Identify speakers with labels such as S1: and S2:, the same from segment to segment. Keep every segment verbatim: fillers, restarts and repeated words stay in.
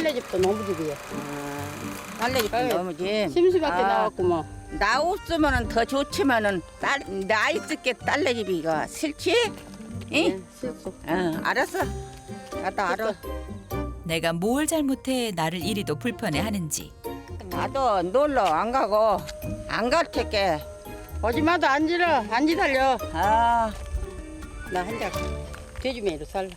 S1: 딸내집도 너무 집이야.
S2: 아, 딸내집도
S1: 아유,
S2: 너무 지.
S1: 심수밖에
S2: 아,
S1: 나왔고 뭐.
S2: 나 없으면은 더 좋지만은 딸, 나 있을게 딸내집이가 싫지? 응?
S1: 네, 실수.
S2: 응, 알았어. 나도 알아.
S3: 내가 뭘 잘못해 나를 이리도 불편해하는지.
S2: 나도 놀러 안 가고 안 갈 테게.
S1: 오지마도 안 지러, 안 지달려.
S2: 아,
S1: 나 한자 돼지매로 살라.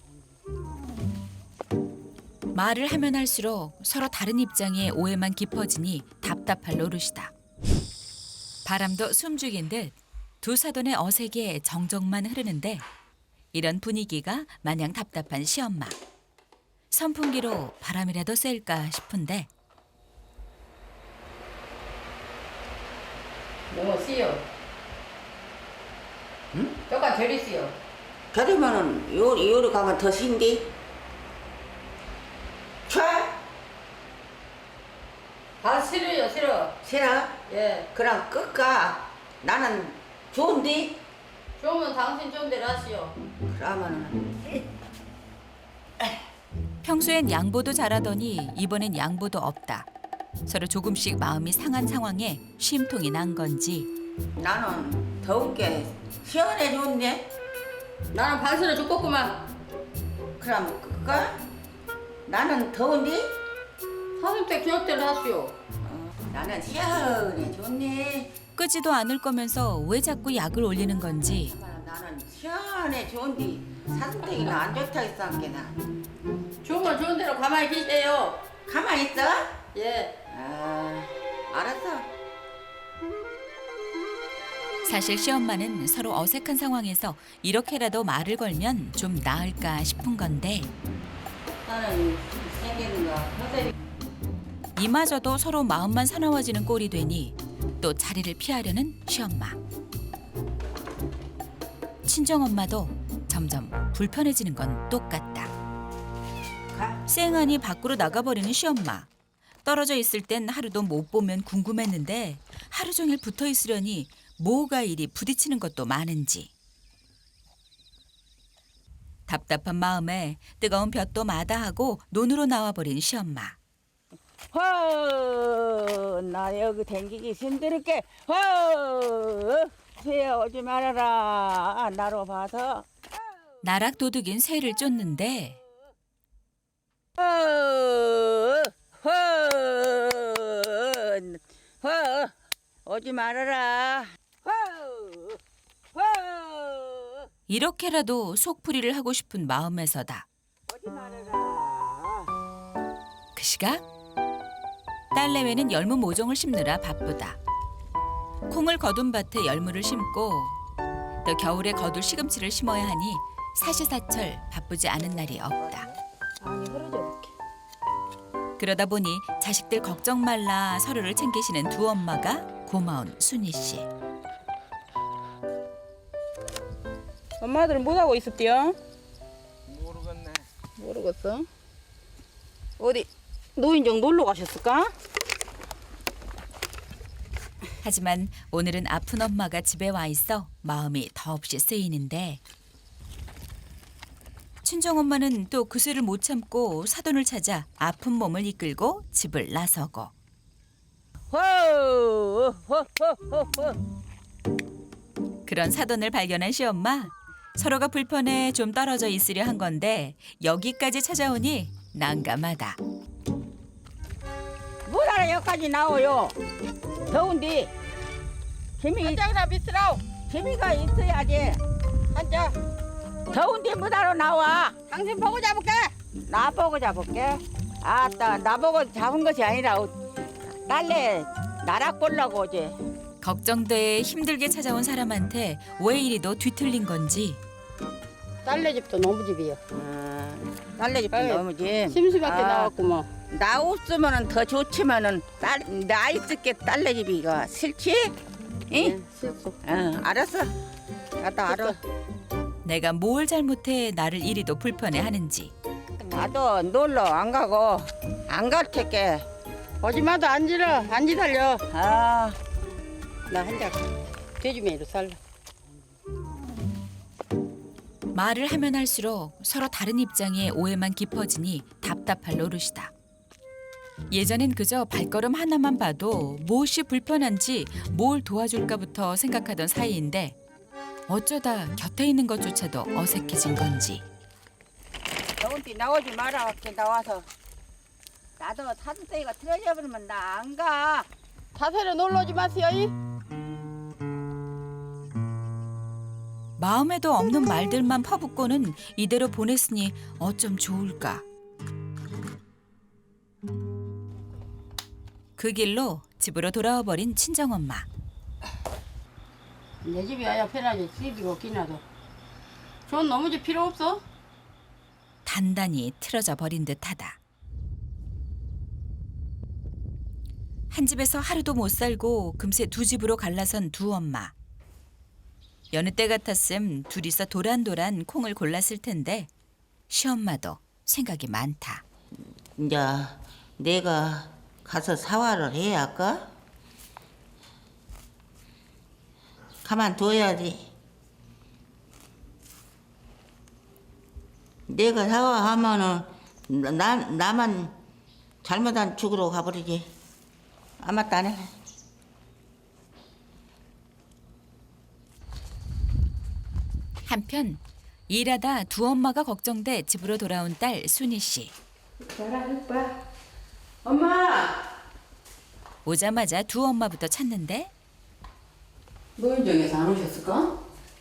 S3: 말을 하면 할수록 서로 다른 입장에 오해만 깊어지니 답답할 노릇이다. 바람도 숨죽인 듯 두 사돈의 어색에 정적만 흐르는데 이런 분위기가 마냥 답답한 시엄마. 선풍기로 바람이라도 쐴까 싶은데
S1: 너무 씨요.
S2: 응?
S1: 조금 저리 씨요.
S2: 그러면은 요리 요리 가면 더 신디. 촤?
S1: 다 싫어요, 싫어.
S2: 싫어?
S1: 예.
S2: 그럼 끝가. 나는 좋은데.
S1: 좋으면 당신 좀 대로 하시오.
S2: 그러면은
S3: 평소엔 양보도 잘하더니 이번엔 양보도 없다. 서로 조금씩 마음이 상한 상황에 쉼통이 난 건지
S2: 나는 더운 게 시원해 좋은데.
S1: 나는 반스러 죽겠구만.
S2: 그럼 끝가. 나는 더운데.
S1: 사슴댁 기억대로 하시오.
S2: 어, 나는 시원해 좋네.
S3: 끄지도 않을 거면서 왜 자꾸 약을 올리는 건지
S2: 나는 시원해 좋은데 사슴댁이는 안 좋다 했어 한게나.
S1: 좋으면 좋은 대로 가만히 계세요.
S2: 가만히 있어?
S1: 예.
S2: 아, 알았어.
S3: 사실 시엄마는 서로 어색한 상황에서 이렇게라도 말을 걸면 좀 나을까 싶은 건데
S2: 나는 생기는 거 허세리.
S3: 이마저도 서로 마음만 사나워지는 꼴이 되니 또 자리를 피하려는 시엄마. 친정엄마도 점점 불편해지는 건 똑같다.
S2: 가.
S3: 쌩하니 밖으로 나가버리는 시엄마. 떨어져 있을 땐 하루도 못 보면 궁금했는데 하루 종일 붙어 있으려니 뭐가 이리 부딪히는 것도 많은지. 답답한 마음에 뜨거운 볕도 마다하고 논으로 나와버린 시엄마.
S2: 허, 나 여기 댕기기 힘들게. 허, 새야 오지 말아라. 나로 봐서.
S3: 나락 도둑인 새를 쫓는데
S2: 허, 허, 허, 오지 말아라. 허, 허,
S3: 이렇게라도 속풀이를 하고 싶은 마음에서다.
S2: 오지 말아라.
S3: 그 시각 딸내외는 열무 모종을 심느라 바쁘다. 콩을 거둔 밭에 열무를 심고 또 겨울에 거둘 시금치를 심어야 하니 사시사철 바쁘지 않은 날이 없다.
S1: 아니, 흐르져 볼게.
S3: 그러다 보니 자식들 걱정 말라 서로를 챙기시는 두 엄마가 고마운 순희 씨.
S1: 엄마들은 뭐하고 있었대요?
S4: 모르겠네.
S1: 모르겠어. 어디 노인정 놀러 가셨을까?
S3: 하지만 오늘은 아픈 엄마가 집에 와 있어 마음이 더없이 쓰이는데 친정엄마는 또 그새를 못 참고 사돈을 찾아 아픈 몸을 이끌고 집을 나서고
S2: 허, 허, 허, 허, 허.
S3: 그런 사돈을 발견한 시엄마 서로가 불편해 좀 떨어져 있으려 한 건데 여기까지 찾아오니 난감하다.
S2: 뭐하러 여기까지 나와요? 더운데. 재미,
S1: 한장이나 비스라오.
S2: 재미가 있어야지.
S1: 한장.
S2: 더운데 뭐하러 나와?
S1: 당신 보고 잡을게.
S2: 나 보고 잡을게. 아따, 나 보고 잡은 것이 아니라 딸내 나락 보려고 오지.
S3: 걱정돼 힘들게 찾아온 사람한테 왜 이리도 뒤틀린 건지
S1: 딸내집도 너무 집이야.
S2: 어, 딸내집도
S1: 아유,
S2: 너무 지.
S1: 심수밖에
S2: 아,
S1: 나왔고 뭐.
S2: 나 없으면은 더 좋지만은 딸, 나 있을게 딸내집이가 싫지? 응?
S1: 네, 실수.
S2: 응, 알았어. 나도 알아.
S3: 내가 뭘 잘못해 나를 이리도 불편해하는지
S2: 나도 놀러 안 가고 안 갈 테게.
S1: 오지마도 안 지러, 안 지달려.
S2: 아,
S1: 나 한자 돼지매로 살라.
S3: 말을 하면 할수록 서로 다른 입장에 오해만 깊어지니 답답할 노릇이다. 예전엔 그저 발걸음 하나만 봐도 무엇이 불편한지 뭘 도와줄까부터 생각하던 사이인데 어쩌다 곁에 있는 것조차도 어색해진 건지.
S2: 너한테 나오지 마라. 밖에 나와서. 나도 사슴떼기가 틀어져 버리면 나 안 가.
S1: 자세로 놀러 오지 마세요. 이.
S3: 마음에도 없는 말들만 퍼붓고는 이대로 보냈으니 어쩜 좋을까. 그 길로 집으로 돌아와 버린 친정엄마.
S1: 내 집이 와야 편하지. 집이 없긴 하도. 전 너무 집 필요 없어.
S3: 단단히 틀어져 버린 듯하다. 한 집에서 하루도 못 살고 금세 두 집으로 갈라선 두 엄마. 여느 때 같았음 둘이서 도란도란 콩을 골랐을 텐데 시엄마도 생각이 많다.
S5: 이제 내가 가서 사활을 해야 할까? 가만둬야지. 내가 사활하면은 나, 나만 잘못한 죽으러 가버리지. 아마 따네.
S3: 한편 일하다 두 엄마가 걱정돼 집으로 돌아온 딸 순희 씨.
S1: 엄마.
S3: 오자마자 두 엄마부터 찾는데
S1: 노인정에서 안 오셨을까?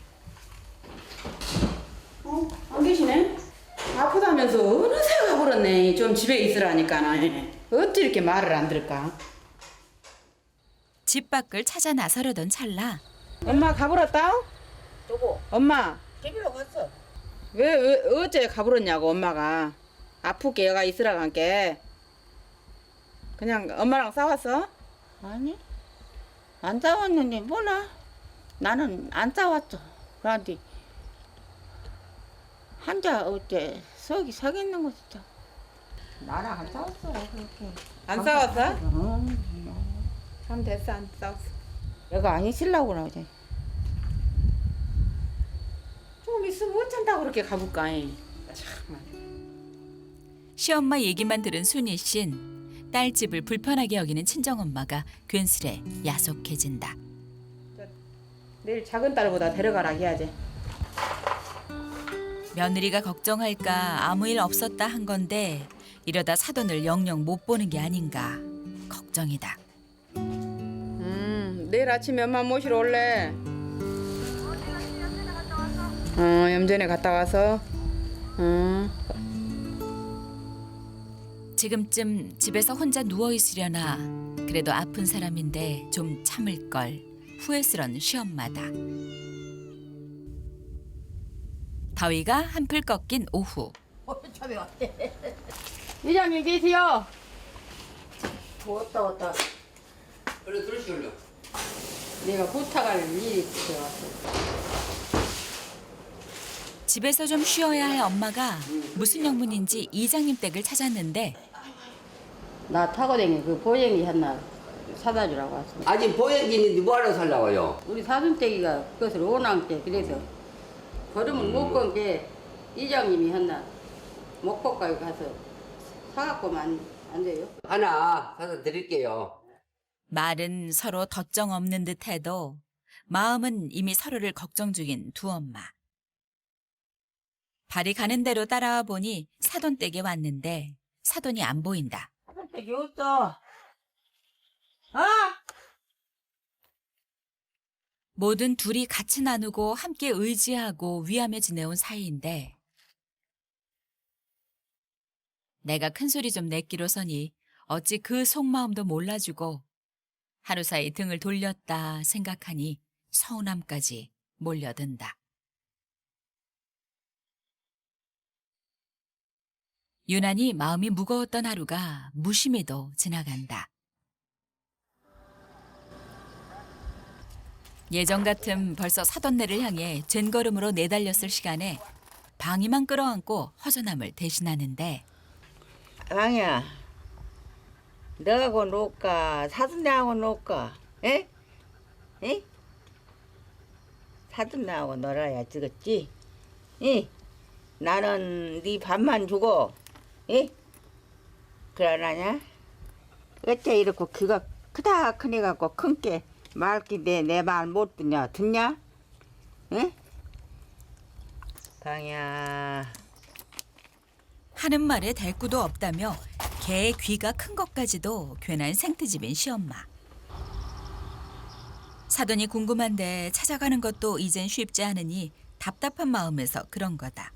S1: 어? 안 계시네?
S6: 아프다면서 어느새 가버렸네. 좀 집에 있으라니까. 어찌 이렇게 말을 안 들을까?
S3: 집 밖을 찾아 나서려던 찰나
S6: 엄마 가버렸다?
S2: 누구?
S6: 엄마
S2: 집으로 갔어.
S6: 왜, 왜 어째 가버렸냐고. 엄마가 아프게 얘가 있으라 간게 그냥 엄마랑 싸웠어?
S5: 아니, 안 싸웠는데 뭐나? 나는 안 싸웠어. 그런데 한자 어째 속이 sak있는 것이죠. 나랑 안 싸웠어. 그렇게.
S6: 안 싸웠어?
S5: 어,
S6: 참 됐어. 안 싸웠어.
S5: 얘가 안 있으려고 그러지.
S6: 좀 있으면 어쩐다고 그렇게 가볼까. 참.
S3: 시엄마 얘기만 들은 순희 씨는 딸 집을 불편하게 여기는 친정엄마가 괜스레 야속해진다.
S6: 내일 작은 딸보다 데려가라 해야지.
S3: 며느리가 걱정할까 아무 일 없었다 한 건데 이러다 사돈을 영영 못 보는 게 아닌가 걱정이다.
S6: 음, 내일 아침에 엄마 모시러 올래. 어, 염전에 갔다 와서. 어.
S3: 지금쯤 집에서 혼자 누워 있으려나 그래도 아픈 사람인데 좀 참을 걸 후회스런 시엄마다. 더위가 한풀 꺾인 오후.
S1: 이장님 계세요?
S5: 왔다 왔다.
S4: 얼른 들으시올려.
S1: 내가 부탁할 일이 있어서 왔어.
S3: 집에서 좀 쉬어야 할 엄마가 무슨 영문인지 이장님 댁을 찾았는데
S1: 나 타고 댕긴 그 보행이 하나 사다 주라고 왔어.
S7: 아직 보행기니 뭐하러 살라고요?
S1: 우리 사돈댁이가 그것을 원한게 그래서 걸음을 못 건 게 이장님이 했나 목포까지 가서 사갖고만 안, 안 돼요?
S7: 하나 사서 드릴게요.
S3: 말은 서로 덧정 없는 듯해도 마음은 이미 서로를 걱정 중인 두 엄마. 발이 가는 대로 따라와 보니 사돈 댁에 왔는데 사돈이 안 보인다.
S5: 여기 없어. 아!
S3: 뭐든 둘이 같이 나누고 함께 의지하고 위하며 지내온 사이인데 내가 큰소리 좀 냈기로서니 어찌 그 속마음도 몰라주고 하루 사이 등을 돌렸다 생각하니 서운함까지 몰려든다. 유난히 마음이 무거웠던 하루가 무심히도 지나간다. 예전 같음 벌써 사돈네를 향해 젠걸음으로 내달렸을 시간에 방이만 끌어안고 허전함을 대신하는데
S5: 왕이야, 너하고 놀까? 사돈네하고 놀까? 에? 에? 사돈네하고 놀아야 지겠지? 이? 나는 네 밥만 주고, 에? 그러나냐?
S2: 어째 이렇게 귀가 크다 크니 갖고 큰 게 맑게 내 내 말 못 듣냐 듣냐? 응?
S5: 방야.
S3: 하는 말에 대꾸도 없다며 개의 귀가 큰 것까지도 괜한 생트집인 시엄마. 사돈이 궁금한데 찾아가는 것도 이젠 쉽지 않으니 답답한 마음에서 그런 거다.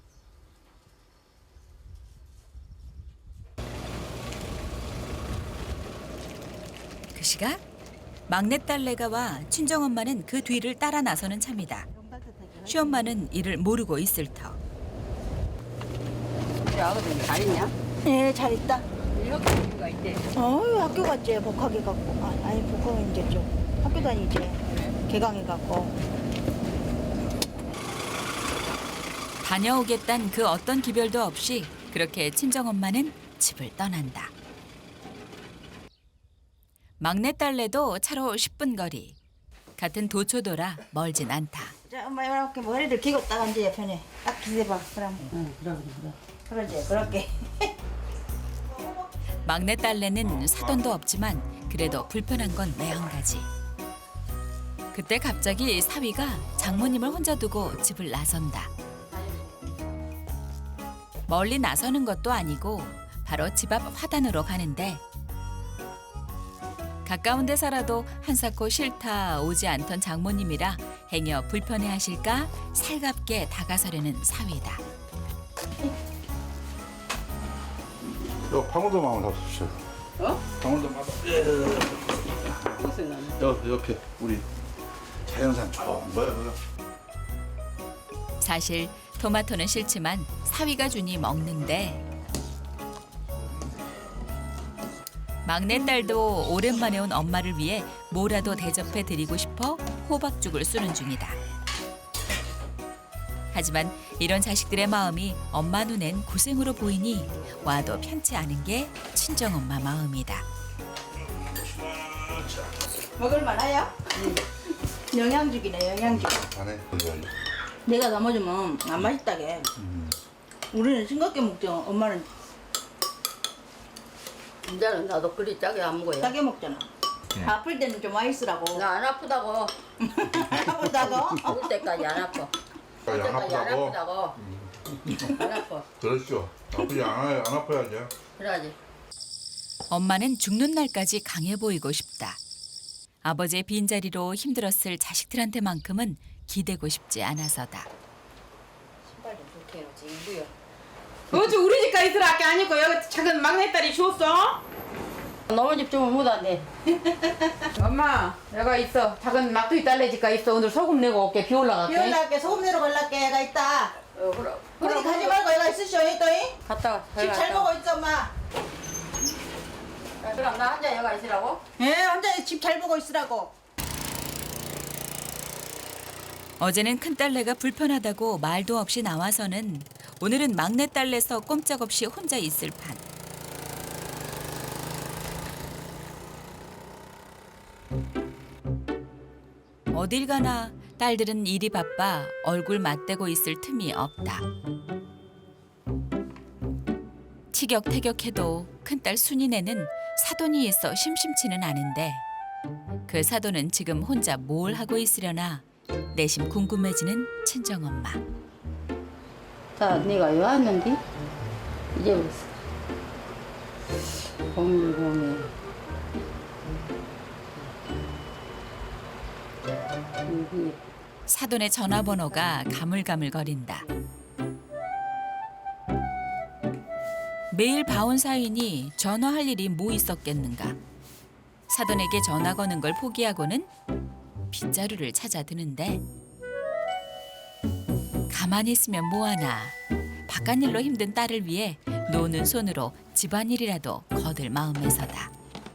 S3: 그 시각 막내딸내가 와 친정엄마는 그 뒤를 따라 나서는 참이다. 시엄마는 이를 모르고 있을 터.
S1: 우리 아버지 잘 있냐?
S2: 예, 잘 있다.
S1: 학교가 있대.
S2: 어, 학교 갔지. 복학해 갖고. 아, 아니 복학은 이제 좀 학교 다니지. 개강해 갖고.
S3: 다녀오겠단 그 어떤 기별도 없이 그렇게 친정엄마는 집을 떠난다. 막내딸내도 차로 십 분 거리. 같은 도초도라 멀진 않다.
S2: 자, 엄마 이렇게 머리를 기고 딱 앉아 옆에. 딱 기대봐. 그럼.
S1: 응, 그래 그래 그래.
S2: 그러지. 그렇게.
S3: 막내딸내는 사돈도 없지만 그래도 불편한 건 매 한 가지. 그때 갑자기 사위가 장모님을 혼자 두고 집을 나선다. 멀리 나서는 것도 아니고 바로 집 앞 화단으로 가는데 가까운 데 살아도 한사코 싫다 오지 않던 장모님이라 행여 불편해하실까 살갑게 다가서려는 사위다.
S8: 요 방울도마을 잡수시오.
S1: 어?
S8: 방울도마을.
S1: 무슨 난?
S8: 여 옆에 우리 자연산 좋은 거야 그거.
S3: 사실 토마토는 싫지만 사위가 주니 먹는데 막내딸도 오랜만에 온 엄마를 위해 뭐라도 대접해 드리고 싶어 호박죽을 쓰는 중이다. 하지만 이런 자식들의 마음이 엄마 눈엔 고생으로 보이니 와도 편치 않은 게 친정엄마 마음이다.
S2: 먹을만해요? 영양죽이네, 영양죽.
S8: 안에 이거.
S2: 내가 담아주면 안 맛있다게. 우리는 싱겁게 먹죠. 엄마는
S1: 이제는 나도 그리 짜게 안 먹어요.
S2: 짜게 먹잖아. 아플 때는 좀 맛있으라고.
S1: 나 안 아프다고.
S2: 아프다고?
S1: 죽을 때까지 안 아파. 죽을
S8: 안
S1: 때까지 안
S8: 아프다고.
S1: 아프다고. 안 아파.
S8: 그렇죠. 아프지 않아요. 안 아파야지.
S1: 그래야지.
S3: 엄마는 죽는 날까지 강해 보이고 싶다. 아버지의 빈자리로 힘들었을 자식들한테만큼은 기대고 싶지 않아서다.
S1: 신발 좀 좋게 해놓지. 이구요.
S6: 어제 우리 집가 있으라 할게 아니고 여기 작은 막내딸이 줬어?
S1: 너무 집 좀 못한데.
S6: 엄마 내가 있어. 작은 막둥이 딸내 집가 있어. 오늘 소금 내고 올게. 비 올라갈게.
S2: 비 올라갈게. 소금 내러 갈랄게. 얘가 있다.
S1: 어, 그럼.
S2: 우리 가지 말고 얘가 있으시오. 했더니
S1: 갔다가.
S2: 집 잘 보고 있어, 엄마.
S1: 그럼 나 혼자 여가 있으라고?
S2: 예, 혼자 집 잘 보고 있으라고.
S3: 어제는 큰딸내가 불편하다고 말도 없이 나와서는 오늘은 막내딸내서 꼼짝없이 혼자 있을 판. 어딜 가나 딸들은 일이 바빠 얼굴 맞대고 있을 틈이 없다. 티격태격해도 큰딸 순이네는 사돈이 있어 심심치는 않은데 그 사돈은 지금 혼자 뭘 하고 있으려나 내심 궁금해지는 친정엄마.
S1: 자, 네가 왜 왔는디? 이제 공일공이 여기
S3: 사돈의 전화번호가 가물가물거린다. 매일 봐온 사이니 전화할 일이 뭐 있었겠는가. 사돈에게 전화 거는 걸 포기하고는 빗자루를 찾아 드는데 가만히 있으면 뭐하나. 바깥일로 힘든 딸을 위해 노는 손으로 집안일이라도 거들 마음에서다.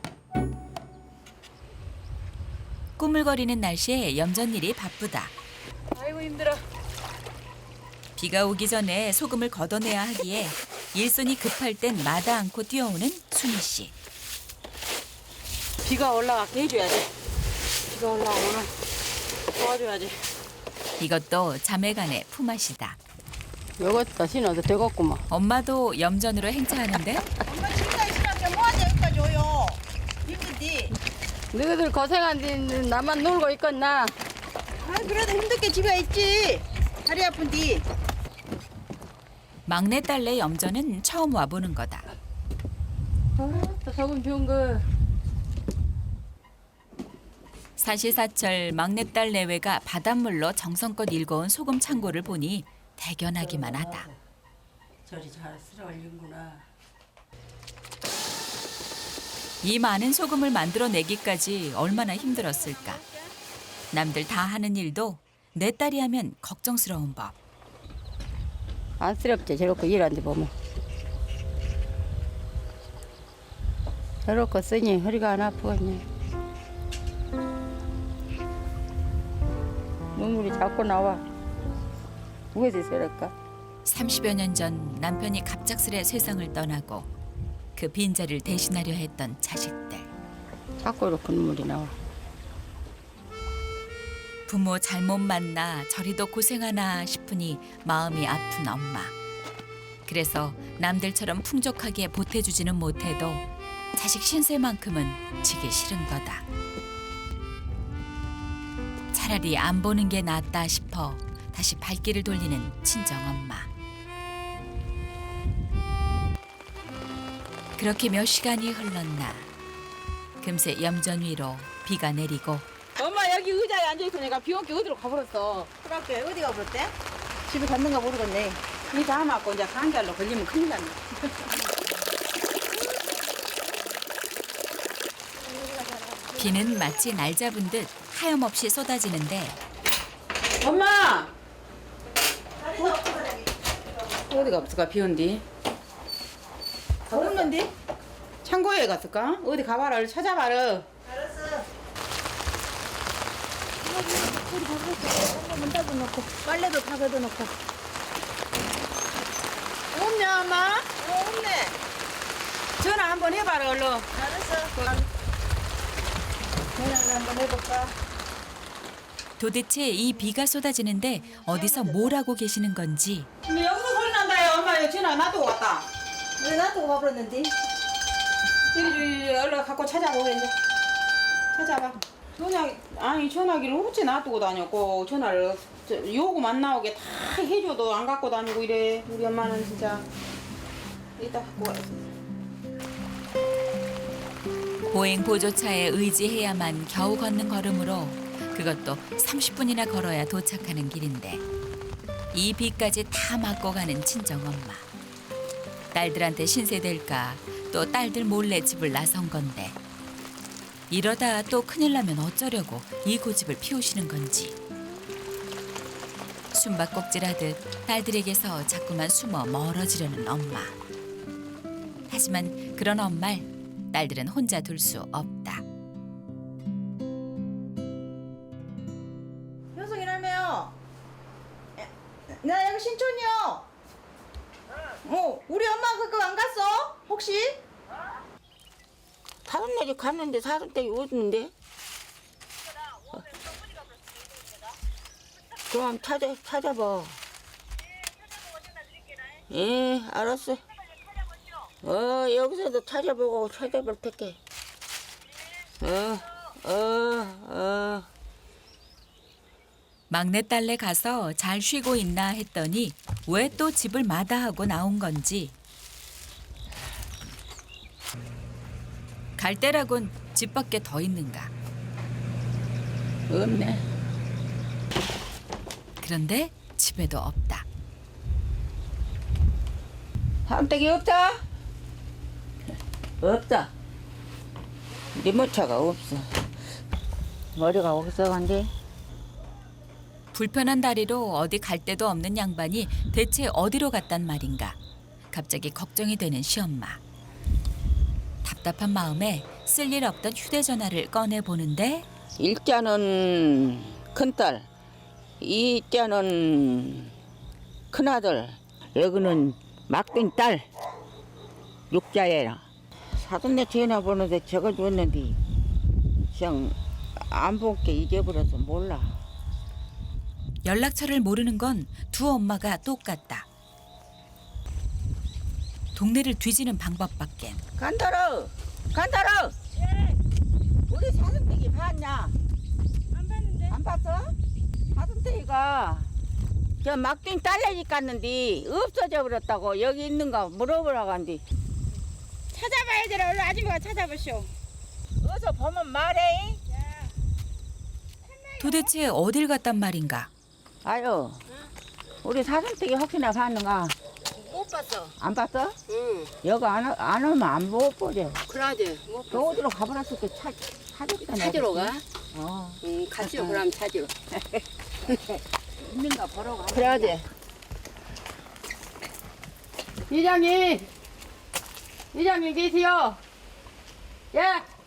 S3: 꾸물거리는 날씨에 염전일이 바쁘다.
S6: 아이고 힘들어.
S3: 비가 오기 전에 소금을 걷어내야 하기에 일손이 급할 땐 마다 않고 뛰어오는 순희 씨.
S6: 비가 올라가게 해줘야지. 비가 올라오면 도와줘야지.
S3: 이것도 자매간의 품앗이다.
S1: 요것도 신어도 되겠구만.
S3: 엄마도 염전으로 행차하는데
S2: 엄마 집가 있으라게 뭐하자 여기까지 오요.
S1: 너희들 고생한 뒤는 나만 놀고 있겠나?
S2: 아 그래도 힘들게 집에 있지. 다리 아픈디.
S3: 막내딸내 염전은 처음 와보는 거다.
S1: 또 소금 비운 거.
S3: 사시사철 막내딸 내외가 바닷물로 정성껏 일궈온 소금 창고를 보니 대견하기만 하다.
S1: 저리 잘 쓸어 올린구나.
S3: 이 많은 소금을 만들어내기까지 얼마나 힘들었을까. 남들 다 하는 일도 내 딸이 하면 걱정스러운 법.
S1: 안쓰럽지 저렇게 일하는데 보면. 저렇게 쓰니 허리가 안 아프겠네. 눈물이 자꾸 나와. 무엇이 저럴까?
S3: 삼십여 년 전 남편이 갑작스레 세상을 떠나고 그 빈자리를 대신하려 했던 자식들.
S1: 자꾸 이렇게 눈물이 나와.
S3: 부모 잘못 만나 저리도 고생하나 싶으니 마음이 아픈 엄마. 그래서 남들처럼 풍족하게 보태주지는 못해도 자식 신세만큼은 지기 싫은 거다. 차라리 안 보는 게 낫다 싶어 다시 발길을 돌리는 친정엄마. 그렇게 몇 시간이 흘렀나. 금세 염전 위로 비가 내리고
S6: 엄마 여기 의자에 앉아있으니까 비 온 게 어디로 가버렸어.
S2: 그렇게 어디가 그랬대?
S6: 집에 갔는가 모르겠네. 이 다 맞고 이제 감기알로 걸리면 큰일 났네.
S3: 비는 마치 날 잡은 듯 하염없이 쏟아지는데
S6: 엄마! 어디가 없을까 비 온디?
S2: 없는데?
S6: 창고에 갔을까? 어디 가봐라 얼른 찾아봐라.
S2: 문 닫아놓고 빨래도 다 걷어놓고.
S6: 없냐 엄마?
S2: 어 없네.
S6: 전화 한번 해봐라 얼른.
S2: 알았어. 전화를 한번 해볼까?
S3: 도대체 이 비가 쏟아지는데 어디서 뭘 하고 계시는 건지
S6: 근데 여기서 소리 난다요. 엄마 이거 전화 놔두고 왔다.
S2: 왜 놔두고 가버렸는데?
S6: 이리 얼른 갖고 찾아보고 이제. 찾아봐. 전화 아니 전화기를 어찌 놔두고 다녔고 전화를 저, 요금 안 나오게 다 해줘도 안 갖고 다니고 이래. 우리 엄마는 진짜 이따 갖고 와야지.
S3: 보행 보조차에 의지해야만 겨우 걷는 걸음으로 그것도 삼십 분이나 걸어야 도착하는 길인데 이 비까지 다 맞고 가는 친정엄마. 딸들한테 신세될까 또 딸들 몰래 집을 나선 건데 이러다 또 큰일 나면 어쩌려고 이 고집을 피우시는 건지. 숨바꼭질하듯 딸들에게서 자꾸만 숨어 멀어지려는 엄마. 하지만 그런 엄마를 딸들은 혼자 둘 수 없다.
S2: 현석이라며요. 나 여기 신촌이요. 어, 우리 엄마 그거 안 갔어? 혹시?
S5: 사돈네집 갔는데 사돈댁이 어딨는데? 그럼 찾아, 찾아봐. 예, 알았어. 어, 여기서도 찾아보고 찾아볼 테게. 어, 어, 어.
S3: 막내딸네 가서 잘 쉬고 있나 했더니 왜 또 집을 마다하고 나온 건지. 갈 때라곤 집 밖에 더 있는가.
S5: 없네.
S3: 그런데 집에도 없다.
S5: 사돈댁이 없다? 없다. 리모차가 없어. 머리가 어디서 간대?
S3: 불편한 다리로 어디 갈 데도 없는 양반이 대체 어디로 갔단 말인가. 갑자기 걱정이 되는 시엄마. 답답한 마음에 쓸 일 없던 휴대전화를 꺼내보는데
S5: 일자는 큰딸, 이자는 큰아들, 여기는 막둥이 딸, 육자애라. 사돈네 전화번호도 적어줬는데 그냥 안 본 게 잊어버려서 몰라.
S3: 연락처를 모르는 건 두 엄마가 똑같다. 동네를 뒤지는 방법밖엔.
S5: 간다로, 간다로. 우리 사돈네
S2: 봤냐? 안 봤는데. 안 봤어? 사슴떼기가 저 막둥이 딸내집 갔는데 없어져 버렸다고. 여기 있는가 물어보라고 한디.
S6: 찾아봐야 되라. 얼른 아줌마가 찾아보시오.
S2: 어서 보면 말해.
S3: 도대체 어딜 갔단 말인가?
S2: 아유, 우리 사슴떼기 혹시나 봤는가?
S1: 못 봤어.
S2: 안 봤어?
S1: 응.
S2: 여기 안, 오- 안 오면 안 못 보지.
S1: 그러지. 못
S2: 저 어디로 가버렸을 때 찾, 찾았다.
S1: 찾으러 가?
S2: 어.
S1: 응, 같이요. 그럼 찾으러.
S2: 있는가 보러 가.
S1: 그래야지. 이장님! 이장님 계세요? 예?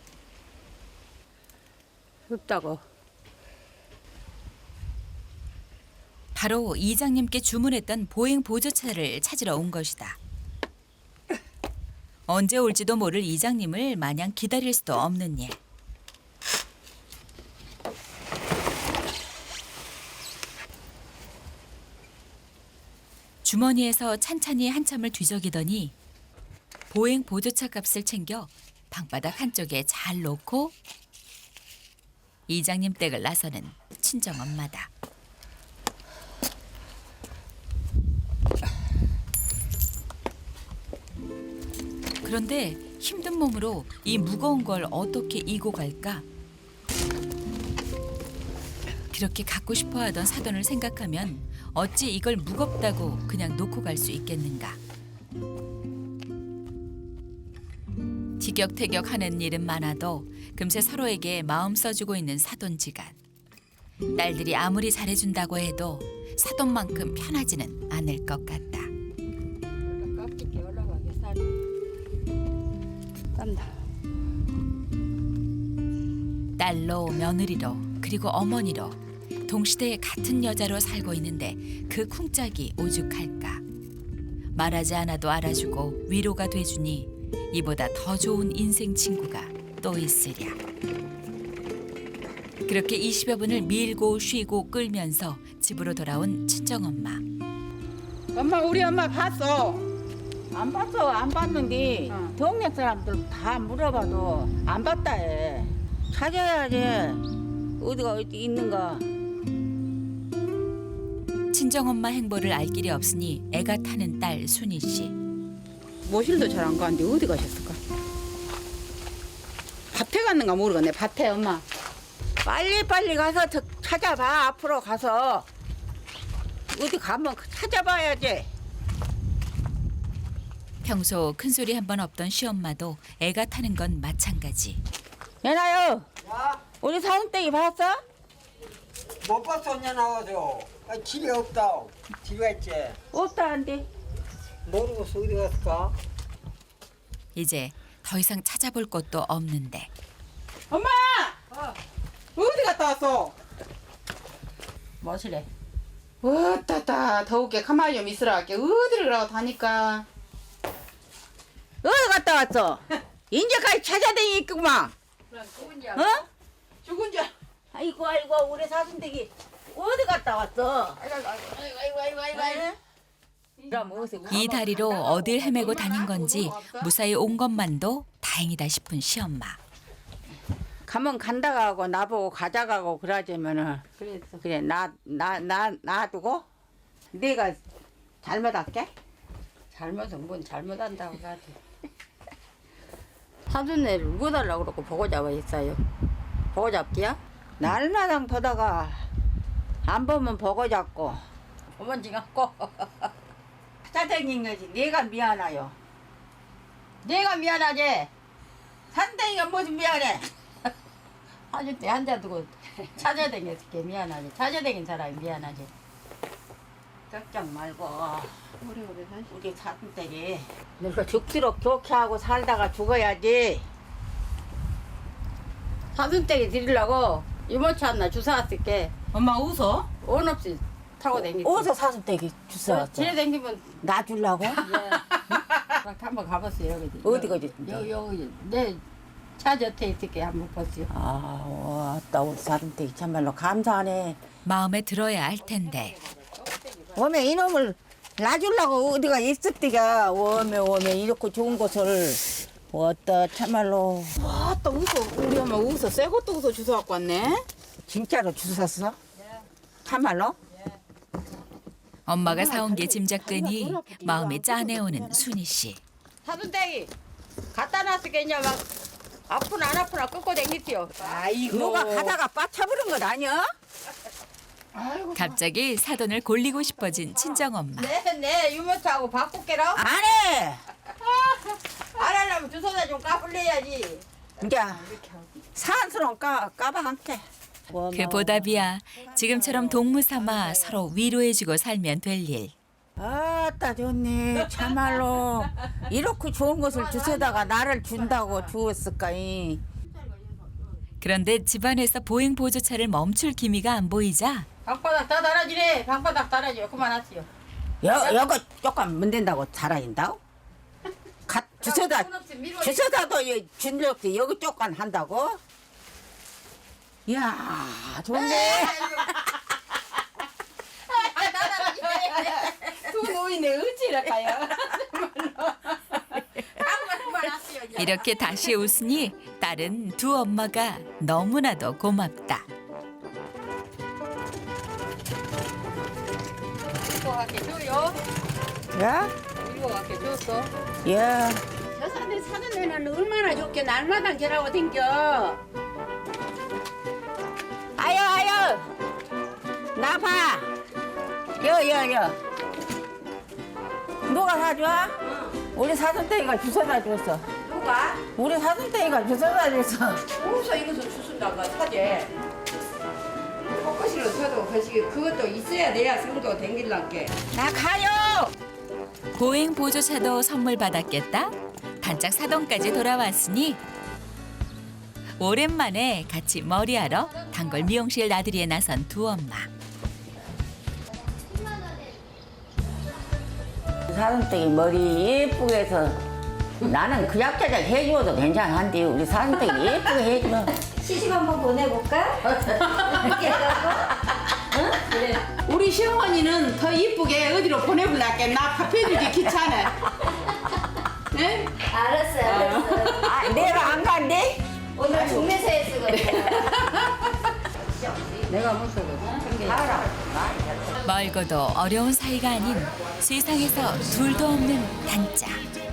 S1: 없다고.
S3: 바로 이장님께 주문했던 보행 보조차를 찾으러 온 것이다. 언제 올지도 모를 이장님을 마냥 기다릴 수도 없는 일. 주머니에서 찬찬히 한참을 뒤적이더니 보행 보조차 값을 챙겨 방바닥 한쪽에 잘 놓고 이장님 댁을 나서는 친정엄마다. 그런데 힘든 몸으로 이 무거운 걸 어떻게 이고 갈까? 그렇게 갖고 싶어 하던 사돈을 생각하면 어찌 이걸 무겁다고 그냥 놓고 갈 수 있겠는가? 티격태격하는 일은 많아도 금세 서로에게 마음 써주고 있는 사돈지간. 딸들이 아무리 잘해준다고 해도 사돈만큼 편하지는 않을 것 같다.
S1: 깍지게 올라가게 살이. 딴다.
S3: 딸로 며느리로 그리고 어머니로 동시대에 같은 여자로 살고 있는데 그 쿵짝이 오죽할까. 말하지 않아도 알아주고 위로가 돼주니 이보다 더 좋은 인생 친구가 또 있으랴. 그렇게 이십여 분을 밀고 쉬고 끌면서 집으로 돌아온 친정엄마.
S6: 엄마 우리 엄마 봤어.
S2: 안 봤어. 안 봤는데
S6: 어.
S2: 동네 사람들 다 물어봐도 안 봤다 해. 찾아야지. 어디가 어디 있는가.
S3: 친정엄마 행보를 알 길이 없으니 애가 타는 딸 순희 씨.
S6: 모실도 잘 안 가는데 어디 가셨을까? 밭에 갔는가 모르겠네. 밭에 엄마.
S2: 빨리빨리 가서 저- 찾아봐. 앞으로 가서. 어디 가면 찾아봐야지.
S3: 평소 큰 소리 한 번 없던 시엄마도 애가 타는 건 마찬가지.
S2: 얘나요.
S9: 야,
S2: 우리 사슴떼기 봤어?
S9: 못 봤어, 언제 나와서. 아, 집에 없다. 집에 있지.
S2: 없다는데.
S9: 모르고서 어디 갔을까?
S3: 이제 더 이상 찾아볼 곳도 없는데
S6: 엄마! 어디 갔다 왔어?
S1: 뭐시래?
S6: 어따따 더우게 가만히 좀 있으라 할게. 어디를 가고 다니까.
S2: 어디 갔다 왔어? 인제까지 찾아다니겠구만. 어?
S6: 죽은 줄.
S2: 아이고 아이고 우리 사슴떼기 어디 갔다 왔어? 아이고 아이고 아이고 아이고 아이고. 그럼 어디서
S3: 이 다리로 어딜 헤매고 다닌 건지 무사히 온 것만도 다행이다 싶은 시엄마.
S2: 가면 간다고 하고 나보고 가자가고 그러자면은
S1: 그랬어.
S2: 그래 나 나 나 놔두고 내가 잘못할게.
S1: 잘못은 뭔 잘못한다고 가지. 사돈네를 묵어달라고 그러고 보고 잡아 있어요. 보고 잡기야?
S2: 날마당 보다가 안 보면 보고 잡고
S1: 어머니 갖고.
S2: 찾아다닌 거지. 내가 미안해요.
S1: 내가 미안하지.
S2: 산땡이가 무슨 미안해.
S1: 사줄 때 앉아 두고 찾아다녔을 게 미안하지. 찾아다닌 사람이 미안하지.
S2: 걱정 말고
S6: 오래오래 사시.
S2: 우리 사슴떼기 늙어 죽도록 좋게 하고 살다가 죽어야지.
S1: 사슴떼기 드리려고 이모차 하나 주워 왔을게.
S6: 엄마 웃어?
S1: 온 없이 타고 다니지.
S2: 어디서 사슴떼기 주워
S1: 지내 다니면
S2: 나 주려고?
S1: 예. 한번 가봤어요. 여기.
S2: 어디 가지?
S1: 여기 여기 내차 곁에 있을게 한번 보세요.
S2: 아, 왔다 우리 사슴떼기 참말로 감사하네.
S3: 마음에 들어야 할 텐데
S2: 오메 이놈을 놔주려고 어디가 있을 때가 오메 오메 이렇게 좋은 곳을 어따 참말로.
S6: 또 웃어. 우리 엄마 웃어. 새 것도 웃어 주워 갖고 왔네.
S2: 진짜로 주웠어? 참말로?
S3: 엄마가 사온 게 짐작되니 마음이 짠해오는 순희 씨.
S1: 사돈댁이 갖다 놨으니까 이제 막 아프나 안 아프나 끄고 댕기지요.
S2: 누가 가다가 빠쳐버린 것 아니야?
S3: 갑자기 사돈을 골리고 싶어진 친정엄마.
S1: 네네 유모차하고 바꿀게라.
S2: 안 해!
S1: 안 하려면 주소다 좀 까불려야지.
S2: 이제 사한스러운 까, 까봐한테.
S3: 그 보답이야. 지금처럼 동무 삼아 서로 위로해주고 살면 될 일.
S2: 아따 좋네 참말로 이렇게 좋은 것을 주워다가 나를 준다고 주었을까이.
S3: 그런데 집안에서 보행 보조차를 멈출 기미가 안 보이자
S1: 방바닥 다 달아지네. 방바닥 달아지요. 그만하시오.
S2: 여, 여거 조금 문댄다고 잘하인다고? 가, 주워다 주워다도 준력도 여기 조금 한다고? 이야 좋네.
S6: 두 노인네 어찌랄까요?
S3: 이렇게 다시 웃으니 딸은 두 엄마가 너무나도 고맙다.
S1: 이거 갖게 줘요.
S2: 야?
S1: 이거 갖게 줬어.
S2: 야.
S5: 저 산에 사는 애는 얼마나 좋게 날마다 저라고 댕겨.
S2: 아유 아유 나봐 여여여 누가 사줘? 우리 사돈댁이가 주워다 줬어.
S1: 누가?
S2: 우리 사돈댁이가 주워다 줬어.
S1: 어디서 이것을 주순다가 사재. 벚꽃이로 서도 거시기 그것도 있어야 돼야 성도 댕길란게.
S2: 나 가요.
S3: 보행 보조차도 선물 받았겠다. 단짝 사돈까지 돌아왔으니 오랜만에 같이 머리하러 단골 미용실 나들이에 나선 두 엄마.
S2: 사돈댁이 머리 예쁘게 해서 나는 그 약자작 해줘도 괜찮은데 우리 사돈댁이 예쁘게 해줘.
S5: 시집 한번 보내볼까?
S6: 우리 시어머니는 더 이쁘게 어디로 보내볼랄게. 나 밥해주기 귀찮아. 네?
S5: 알았어, 알았어.
S2: 아 내가 안 간대?
S5: 오늘 중매사에 쓰거든.
S1: 내가 무서워.
S3: 멀고도 어려운 사이가 아닌 세상에서 둘도 없는 단짝.